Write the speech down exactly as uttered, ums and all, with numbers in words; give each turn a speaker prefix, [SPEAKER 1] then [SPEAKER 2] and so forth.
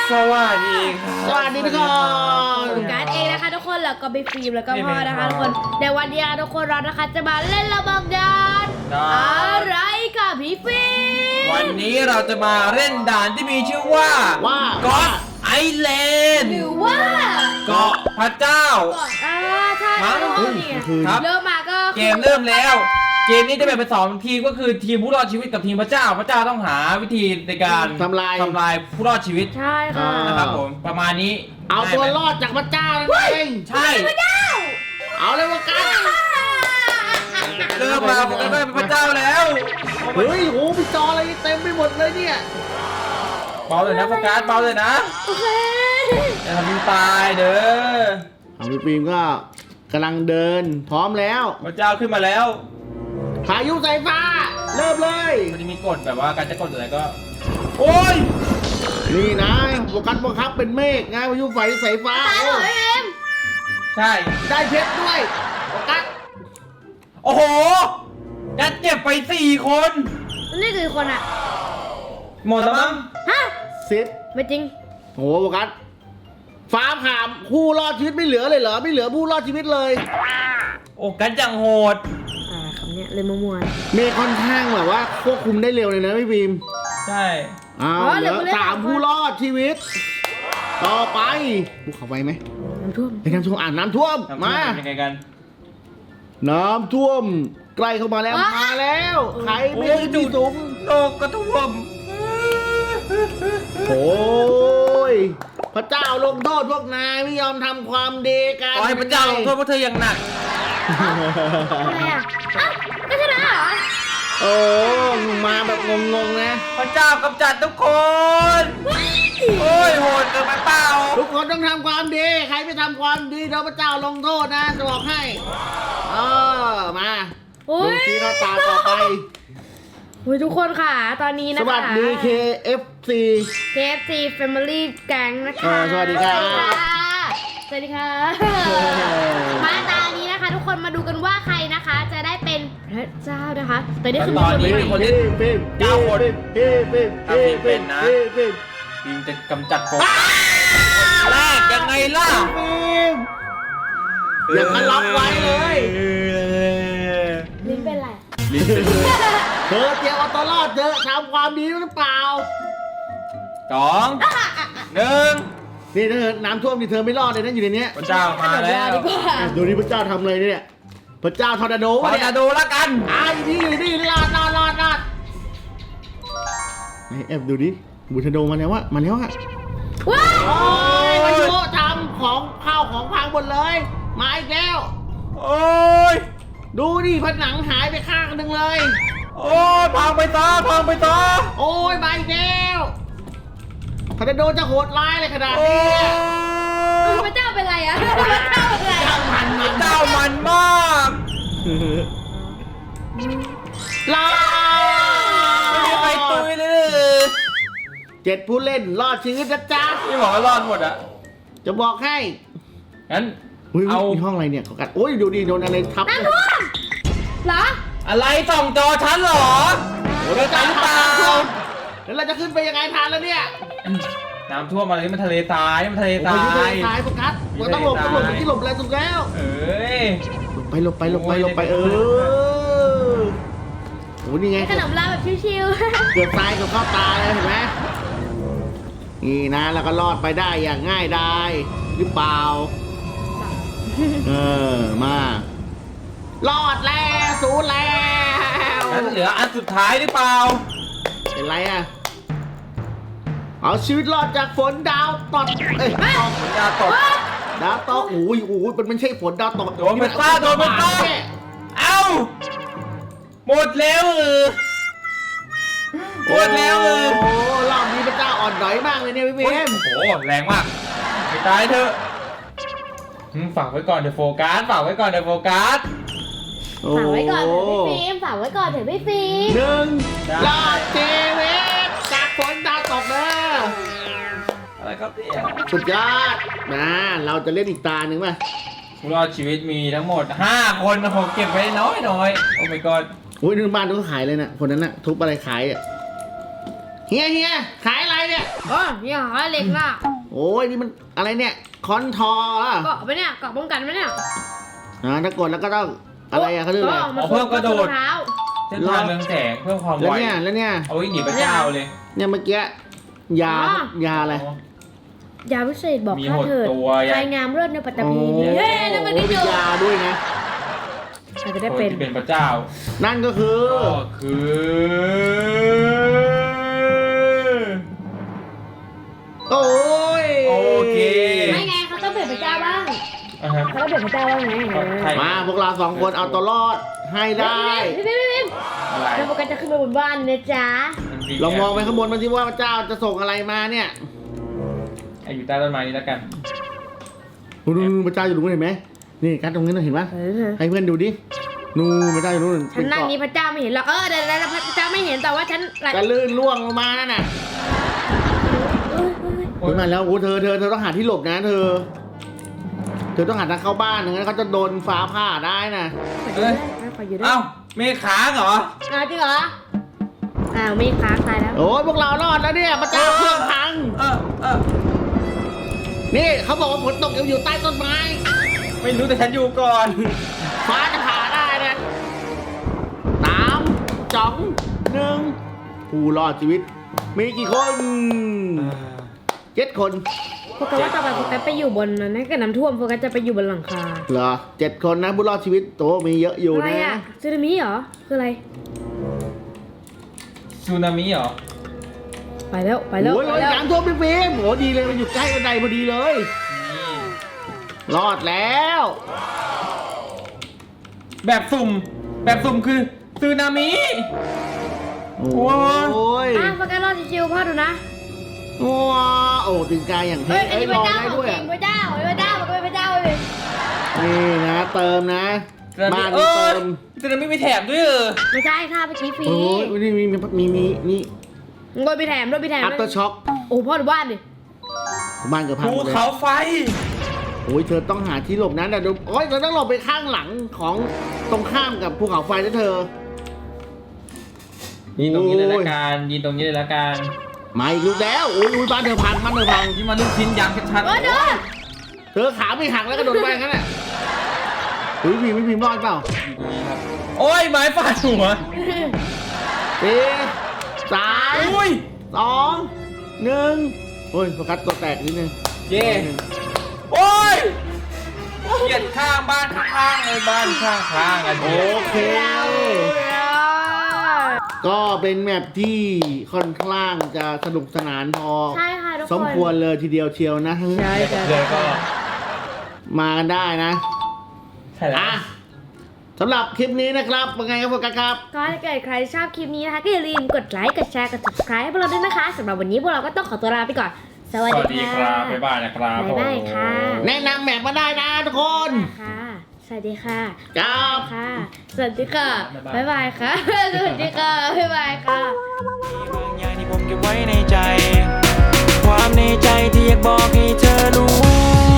[SPEAKER 1] สวัสดีครับ
[SPEAKER 2] สวัสดีทุกคน
[SPEAKER 3] การ์ดเองนะคะทุกคนแล้วก็ไปฟิล์มแล้วก็พ่อนะคะ
[SPEAKER 1] ไม่
[SPEAKER 3] ทุก
[SPEAKER 1] เป็
[SPEAKER 3] คน นในวันนี้ทุกคนเรานะคะจะมาเล่นระเบิดดาน
[SPEAKER 1] ได้
[SPEAKER 3] อะไรกับพี่ฟิล์ม
[SPEAKER 1] วันนี้เราจะมาเล่นด่านที่มีชื่อว่า
[SPEAKER 2] ว่า
[SPEAKER 1] เกาะไอแลนด์
[SPEAKER 3] หรือว่า
[SPEAKER 1] เกาะพระเจ้า
[SPEAKER 3] ก่อนอ่าใช่ค่ะทุกคนเนี่ย
[SPEAKER 1] ครับ
[SPEAKER 3] เริ่มมาก็
[SPEAKER 1] เกมเริ่มแล้ว เกมนี้จะแบ่งเป็นสองทีมก็คือทีมผู้รอดชีวิตกับทีมพระเจ้า พระเจ้าต้องหาวิธีในการ
[SPEAKER 2] ทำลาย
[SPEAKER 1] ทำลายผู้รอดชีวิต
[SPEAKER 3] ใช่ค่ะ
[SPEAKER 2] อ่า
[SPEAKER 1] นะครับผมประมาณนี้
[SPEAKER 2] เอาตัว
[SPEAKER 1] ได้ไหม
[SPEAKER 2] รอดจากพระเจ้านั่นเอง
[SPEAKER 1] ใช่
[SPEAKER 2] เอาเลยว่ากัน
[SPEAKER 1] เริ่มมาผมก็ได้เป็นพระเจ้าแล้ว
[SPEAKER 2] เฮ้ยโหมีจออะไรเต็มไปหมดเลยเนี่ย
[SPEAKER 1] เบาเลยนะโฟกัสเบาเลยนะ
[SPEAKER 3] โอเค
[SPEAKER 1] อย่าทำให้ตายเด้อ
[SPEAKER 2] เอาพี่ฟิล์มก็กำลังเดินพร้อมแล้ว
[SPEAKER 1] พระเจ้าขึ้นมาแล้ว
[SPEAKER 2] พายุสายฟ้าเริ่มเลย
[SPEAKER 1] มันจะมีกฎแบบว่าการจะกดอะไรก็ โอ้ย
[SPEAKER 2] นี่นะโฟกัสบังคับเป็นเมฆไงพายุไฟสายฟ้า
[SPEAKER 3] ตายเหรอพี่ฟิล์ม
[SPEAKER 1] ใช่
[SPEAKER 2] ได้เพชรด้วยโฟกัส
[SPEAKER 1] โอ้โหยัดเจ็บไปสี่คน
[SPEAKER 3] นี่คือคนอ่ะ
[SPEAKER 1] หมดแล้วมั้ง
[SPEAKER 3] ฮะ
[SPEAKER 2] สิบ
[SPEAKER 3] ไม่จริง
[SPEAKER 2] โหโฟกัสฟ้าผ่าผู้รอดชีวิตไม่เหลือเลยเหรอไม่เหลือผู้รอดชีวิตเลย
[SPEAKER 1] โอ้กันจังโหด
[SPEAKER 3] อ่าคำเนี้ยเลยมั่ว
[SPEAKER 2] เมฆค่อนข้างแบบว่าควบคุมได้เร็วเลยนะพี่ฟิล์ม
[SPEAKER 1] ใช่
[SPEAKER 2] อ้าวเหลือสามผู้รอดชีวิต ต่อไปภูเขาไฟไหม
[SPEAKER 3] ๆน้ำท่วม
[SPEAKER 2] ไปน้ำท่วมอ่านน้ำท่วม
[SPEAKER 1] น้ำท่ว
[SPEAKER 2] มา
[SPEAKER 1] เป็นยังไงกัน
[SPEAKER 2] น้ำท่วมใกล้เข้ามาแล้วมาแล้วใครไม่ได้ที่สูง
[SPEAKER 1] โลกก็ท่วม
[SPEAKER 2] โอ้ยพระเจ้าลงโทษพวกนายไม่ยอมทำความดีกัน
[SPEAKER 1] ขอให้พระเจ้าลงโทษพวกเธออย่างหนัก
[SPEAKER 3] อะไรอ่ะอ้าวก็ชนะเหรอ
[SPEAKER 2] โอ้มาแบบงงๆนะ
[SPEAKER 1] พระเจ้ากำจัดทุกคน โอ้ยโหดเกินไปเปล่า
[SPEAKER 2] ทุกคนต้องทำความดี ใครไม่ทำความดีเดี๋ยวพระเจ้าลงโทษนะจะบอกให้เออมา
[SPEAKER 3] โอ้
[SPEAKER 2] ดู
[SPEAKER 3] ย
[SPEAKER 2] ซีหน้าตาต่อไป
[SPEAKER 3] โอ้ยทุกคนค่ะ ตอนนี้
[SPEAKER 2] ส
[SPEAKER 3] นะคะ
[SPEAKER 2] วัสดี เค เอฟ ซี
[SPEAKER 3] เค เอฟ ซี Family Gang นะคะ
[SPEAKER 2] เออสวัสดีครับ
[SPEAKER 3] สวัสดีค่ะ มาตอนนี้นะคะ ทุกคนมาดูกันว่าใครนะคะ จะได้เป็นพระเจ้านะคะแต่นี่คือ
[SPEAKER 1] ตอนนี้
[SPEAKER 3] มี
[SPEAKER 1] มี
[SPEAKER 3] ค
[SPEAKER 1] คน น
[SPEAKER 3] ใหม่
[SPEAKER 1] ที่
[SPEAKER 2] ฟิล์ม
[SPEAKER 1] เก้าคน
[SPEAKER 2] ฟิล์มฟิล์ม
[SPEAKER 1] ถ้าฟิล์มเป็นนะ
[SPEAKER 2] ฟิล์มฟิล์ม
[SPEAKER 1] ทีมจะกำจัดโฟกัสแรกยังไงล่ะ
[SPEAKER 2] ฟิล์มอย่ามาล็อกไว้เลย
[SPEAKER 3] ลิ้นเป็นไร
[SPEAKER 1] ลิ้นเป็น
[SPEAKER 2] เธอเตรียมเอาตัวรอดเธอทำความดีหรือเปล่า
[SPEAKER 1] สองหนึ่ง
[SPEAKER 2] นี่เธอน้ำท่วมนี่เธอไม่รอดเลยนะอยู่ในเนี้ย
[SPEAKER 1] พระเจ้ามาแล้ว
[SPEAKER 3] ดีกว่า
[SPEAKER 2] อ่ะดูนี่พระเจ้าทำอะไรเนี่ยพระเจ้าทอร์นาโด
[SPEAKER 1] ขอ
[SPEAKER 2] เนี่ย
[SPEAKER 1] จะดูแล้วกัน
[SPEAKER 2] อ่าอยู่นี่อยู่นี่รอดรอดรอดรอดไอ้แอบดูดิบูทาโดมาแล้ววะมาแล้วอะ
[SPEAKER 3] ว้าย
[SPEAKER 2] โอ้ยพายุทำของข้าวของพังหมดเลยมาอีกแล้ว
[SPEAKER 1] โอ้ย
[SPEAKER 2] ดูดิผนังหายไปข้างหนึ่งเลย
[SPEAKER 1] โอ้ยพังไปซะพังไปซะ
[SPEAKER 2] โอ้ยมาอีกแล้วทอร์นาโดจะโหดร้ายเลยขนาด
[SPEAKER 1] โอ้
[SPEAKER 2] นี้
[SPEAKER 1] ย
[SPEAKER 3] เออพระเจ้าเป็นไรอ่ะพระเจ้าเป็นไร
[SPEAKER 2] เจ้า
[SPEAKER 3] อะ
[SPEAKER 2] มันมัน
[SPEAKER 1] เจ้ามันมาก
[SPEAKER 2] ลา
[SPEAKER 1] ไม่มีใครตุยเลย
[SPEAKER 2] เจ็ดผู้เล่นรอดชีวิตนะจ๊ะ
[SPEAKER 1] นี่บอกว่ารอดหมดอะ
[SPEAKER 2] จะบอกให้
[SPEAKER 1] งั้น
[SPEAKER 2] อุ้ย
[SPEAKER 1] เอา
[SPEAKER 2] มีห้องอะไรเนี่ยเขากัดโอ้ยดูดิโดนอะไรทับ
[SPEAKER 3] น้ำท่วมเหรอ
[SPEAKER 1] อะไรส่องจอฉันเหรอ
[SPEAKER 2] โอ้ย
[SPEAKER 1] เดินไปหรือเปล่า
[SPEAKER 2] แล้วเราจะขึ้นไปยังไงทันแล้วเนี่ย
[SPEAKER 1] น้ำท่วมอะไรนี่มันทะเลทรายนี่มันทะเลท
[SPEAKER 2] โอ้
[SPEAKER 1] ราย
[SPEAKER 2] ยทรายโฟกัสเราต้องหลบต้องหลบที่หลบอะไรถูกแล้ว
[SPEAKER 1] เอ้ย
[SPEAKER 2] หลบไปหลบไปหลบไปหลบไปเออโอ้นี่ไง
[SPEAKER 3] ขนมลาแบบชิว
[SPEAKER 2] เกือบตายกับเข้าตาเลยเห็นไหมนี่นะแล้วก็รอดไปได้อย่างง่ายดายหรือเปล่าเออมารอดแล้วสูญแล้ว
[SPEAKER 1] งั้นเหลืออันสุดท้ายหรือเปล่า
[SPEAKER 2] เป็นไรอ่ะเอาชีวิตรอดจากฝนดาวตกเอ้ยตก
[SPEAKER 1] ยาตก
[SPEAKER 2] ดาวตกโอ้ยโอ้ยมันไม่ใช่ฝนดาวตก
[SPEAKER 1] โดนมันซ่าโดนมันซ่า เอ้า หมดแล้วเออหมดแล้วเออ
[SPEAKER 2] โอ้รอบนี้พระเจ้าอ่อนด้อยมากเลยเนี่ยพี่เบ
[SPEAKER 1] โอ้ย
[SPEAKER 2] ม
[SPEAKER 1] โอ้โหแรงมากไปตายเถอะอืมฝากไว้ก่อนเดี๋ยวโฟกัสฝากไว้ก่อนเดี๋ยวโฟกัส
[SPEAKER 3] ๆฝากไว้ก่อนเถอะพี่ฟิล์มฝากไว้ก่อนเถอะพี่ฟิล์ม
[SPEAKER 2] หนึ่ง
[SPEAKER 1] ได้
[SPEAKER 2] รอดชีวิตจากฝนดาวตกเด้อ
[SPEAKER 1] อะไรครับเนี่ย
[SPEAKER 2] สุดยอดนะเราจะเล่นอีกตาหนึ่งป่ะ
[SPEAKER 1] ผู้รอดชีวิตมีทั้งหมดห้าคนนะผมเก็บไว้น้อยน้อยๆโอ้ my god
[SPEAKER 2] โอ้ยนึกบ้านต้องขายเลยนะคนนั้นน่ะทุบอะไรขายอ่ะเฮียเฮียขายอะไรเนี่ย
[SPEAKER 3] อ๋อนี่หาเหล็กน่ะ
[SPEAKER 2] โอ้ยนี่มันอะไรเนี่ยคอนทอร์อ่ะ
[SPEAKER 3] เกาะไปเนี่ยเกาะป้องกันไหมเนี่ย
[SPEAKER 2] อ่าถ้ากดแล้วก็ต้องอะไรอะเขาเรียกอะไร
[SPEAKER 3] มาเพิ่มกระโดดเท้า
[SPEAKER 1] เส้นทางเรืองแสงเพิ่มความ
[SPEAKER 2] แล้ว
[SPEAKER 1] ไว
[SPEAKER 2] เนี่ยแล้วเนี่ย
[SPEAKER 1] เอาไว้หนีพระเจ้าเลย
[SPEAKER 2] เนี่ยเมื่อกี้ยายาอะไร
[SPEAKER 3] ยาพิเศษบอก
[SPEAKER 1] มี
[SPEAKER 3] ข้า
[SPEAKER 1] หด
[SPEAKER 3] เถิด
[SPEAKER 1] ตัว
[SPEAKER 3] ใครงามเลิศในปัตตภี
[SPEAKER 2] โอ้
[SPEAKER 3] เฮ้ยนั่นมัน
[SPEAKER 2] โห
[SPEAKER 3] นี่
[SPEAKER 2] มี
[SPEAKER 3] เดียวย
[SPEAKER 2] าด้วยนะ
[SPEAKER 3] อาจจะได้
[SPEAKER 1] คน
[SPEAKER 3] เป็น
[SPEAKER 1] ที่เป็นพระเจ้า
[SPEAKER 2] นั่นก็คือ
[SPEAKER 1] ก็คือ
[SPEAKER 2] โอ้ย
[SPEAKER 1] โอเค
[SPEAKER 3] ไม่ไงเขาต้องเป็นพระเจ้าบ้าง
[SPEAKER 1] อ่ะฮะ
[SPEAKER 3] เขาต้องเป็นพระเจ้าบ้างไง
[SPEAKER 1] ใช่
[SPEAKER 2] มาพวกเราสองคนเอาตัวรอดให้ได้
[SPEAKER 3] พี่พี่พี่พี่
[SPEAKER 1] อะไร
[SPEAKER 3] แล้วโฟกัสจะขึ้นไปบนบ้านนะจ๊ะ
[SPEAKER 2] ลองมองไปข้างบนมันสิว่าพระเจ้าจะส่งอะไรมาเนี่ย
[SPEAKER 1] ไอ้อยู่ใต้ต้นไม้นี้แล้วกัน
[SPEAKER 2] นู่นพระเจ้าอยู่ตรงนู้นเห็นไหมนี่การตรงนี้นะเห็นปะ
[SPEAKER 3] เออ
[SPEAKER 2] ให้เพื่อนดูดินู่นพระเจ้าอยู่นู่น
[SPEAKER 3] ฉันนั่งนี้พระเจ้าไม่เห็นหรอกเออเดี๋ยวแล้วพระเจ้าไม่เห็นแต่ว่าฉันไหล
[SPEAKER 2] จะลื่นล่วงลงมานั่นน่ะ
[SPEAKER 3] เอ้ยเอ้ย
[SPEAKER 2] โอ้ยมาแล้วโอ้เธอเธอเธอต้องหาที่หลบนะเธอ เธอต้องหาทางเข้าบ้านไม่งั้นเขาจะโดนฟ้าผ่าได้นะ
[SPEAKER 3] ขออยู่ได้ขออยู่ได้
[SPEAKER 1] เอ้าเมฆค้างเหรอ
[SPEAKER 3] อ้าวจริงเหรออ้าวไม่ค้างตายแล้ว
[SPEAKER 2] โอ้ยพวกเรารอดแล้วเนี่ยพระเจ้าเครื่องพัง
[SPEAKER 1] เออเออ
[SPEAKER 2] นี่เขาบอกว่าฝนตกอยู่ใต้ต้นไม้
[SPEAKER 1] ไม่รู้แต่ฉันอยู่ก่อน
[SPEAKER 2] ฟ้าจะผ่าได้นะสามสองหนึ่งผู้รอดชีวิต มีกี่คนเจ็ดคน
[SPEAKER 3] โฟกัสว่าต่อไปโฟกัสไปอยู่บนนั้นถ้าเกิดน้ำท่วมโฟกัสจะไปอยู่บนหลังคา
[SPEAKER 2] เหรอเจ็ดคนนะผู้รอดชีวิตโตมีเยอะอยู่
[SPEAKER 3] อะไร
[SPEAKER 2] นะ
[SPEAKER 3] อ่ะสึนามิเหรอคืออะไร
[SPEAKER 1] ซูนามิเหรอ
[SPEAKER 3] ไปแล้วไปแล้ว
[SPEAKER 2] โอ้ย
[SPEAKER 3] ไป
[SPEAKER 2] รถ
[SPEAKER 3] แล้ว
[SPEAKER 2] น้ำท่วมพี่ฟิล์มโอ้ดีเลยมันอยู่ใกล้บันไดพอดีเลย
[SPEAKER 1] นี่
[SPEAKER 2] รอดแล้ว
[SPEAKER 1] แบบสุ่ม แบบสุ่มคือซูนามิ
[SPEAKER 2] โอ้ย
[SPEAKER 3] อ่ะโฟกัสรอดชิวๆพ่อดูนะ
[SPEAKER 2] ว้าโอ้ตีนกายอย่าง
[SPEAKER 3] เฮ้
[SPEAKER 2] เท่
[SPEAKER 3] ยอัน
[SPEAKER 2] เอ้
[SPEAKER 3] นี้
[SPEAKER 2] ย
[SPEAKER 3] พ
[SPEAKER 2] ล
[SPEAKER 3] ระ
[SPEAKER 2] อง
[SPEAKER 3] เจ้า
[SPEAKER 2] ได้
[SPEAKER 3] ของ
[SPEAKER 2] ด้วย
[SPEAKER 3] จริ
[SPEAKER 2] อ่ะ
[SPEAKER 3] งพระเจ้าของพระเจ้ามันเป็นพระเจ้าเลย
[SPEAKER 2] นี่นะเติมนะ
[SPEAKER 1] ซูนามิ
[SPEAKER 2] บ้าน
[SPEAKER 1] เอ
[SPEAKER 2] นี้
[SPEAKER 1] อ
[SPEAKER 2] เติม
[SPEAKER 1] ซูนามิมีแถมด้วยเหรอ
[SPEAKER 3] ไม่ใช่ค่ะเมื่อกี้ฟรี
[SPEAKER 2] โอ้ยนี่มีมีมีนี่
[SPEAKER 3] โดนไปแถมโดนไปแถม
[SPEAKER 2] อัปเตอร์ช็อค
[SPEAKER 3] โอ้พ่อดูบ้านดิ
[SPEAKER 2] บ้านเกือบพัง
[SPEAKER 1] ภู
[SPEAKER 2] หมดเลย
[SPEAKER 1] เขาไฟ
[SPEAKER 2] โอ้ยเธอต้องหาที่หลบนะแต่ดูโอ้ยเราต้องหลบไปข้างหลังของตรงข้ามกับภูเขาไฟนะเธอ
[SPEAKER 1] ยิงตรงนี้เลยละกันยิงตรงนี้เลยละกัน
[SPEAKER 2] มาอีกลูกแล้วโอ้ยอุ้ยบ้านเธอพังบ้านเธอพัง
[SPEAKER 1] ที่มันลูกชิ้นยางชัด
[SPEAKER 3] เออเด้อ
[SPEAKER 2] เธอขาไม่หักแล้วก็โดดไปงั้นแหละเฮ้ยพิมพ์ไม่พิมพ์รอดเปล่า
[SPEAKER 1] ๆอยู่ตรงนี้ครับ โอ้ยไม้ฟาดหัว
[SPEAKER 2] สี่สาม
[SPEAKER 1] อุ้ย
[SPEAKER 2] สองหนึ่งโอ้ยโฟกัสตัวแตกนิดนึง
[SPEAKER 1] เย่โอ้ยเกลียดข้างบ้านข้างๆเลยบ้านข้างๆกัน
[SPEAKER 2] โอ
[SPEAKER 1] เนี่ย
[SPEAKER 2] เค ก็เป็นแมปที่ค่อนข้างจะสนุกสนานพอ
[SPEAKER 3] ใช่ค่ะทุกคน
[SPEAKER 2] สมควรเลยทีเดียวเชียวนะ
[SPEAKER 3] ใช่
[SPEAKER 1] เดี๋ยว
[SPEAKER 3] ใช่
[SPEAKER 1] เลยก็
[SPEAKER 2] มากันได้นะ
[SPEAKER 1] ใช่แล้ว
[SPEAKER 2] อ่ะสำหรับคลิปนี้นะครับเป็นไงครับโฟกัสครับ
[SPEAKER 3] ก็ถ้าเกิดใครชอบคลิปนี้นะคะก็อย่าลืมกดไลค์กดแชร์กด subscribe ให้พวกเราด้วยนะคะสำหรับวันนี้พวกเราก็ต้องขอตัวลาไปก่อน สวัส
[SPEAKER 1] สวัส
[SPEAKER 3] ดี
[SPEAKER 1] ดี
[SPEAKER 3] ค่ะ
[SPEAKER 1] ครับ บ๊ายบายนะครับ
[SPEAKER 3] บ๊ายบายค่ะ
[SPEAKER 2] แนะนำแมปมาได้นะทุกคน
[SPEAKER 3] ค่ะ สวัสดีค่ะ
[SPEAKER 2] ครับ
[SPEAKER 3] ค่ะ สวัสดีค่ะ บ๊ายบายค่ะ สวัสดีค่ะ บ๊ายบายค่ะ
[SPEAKER 4] บางอย่างที่ผมเก็บไว้ในใจ ความในใจที่อยากบอกให้เธอรู้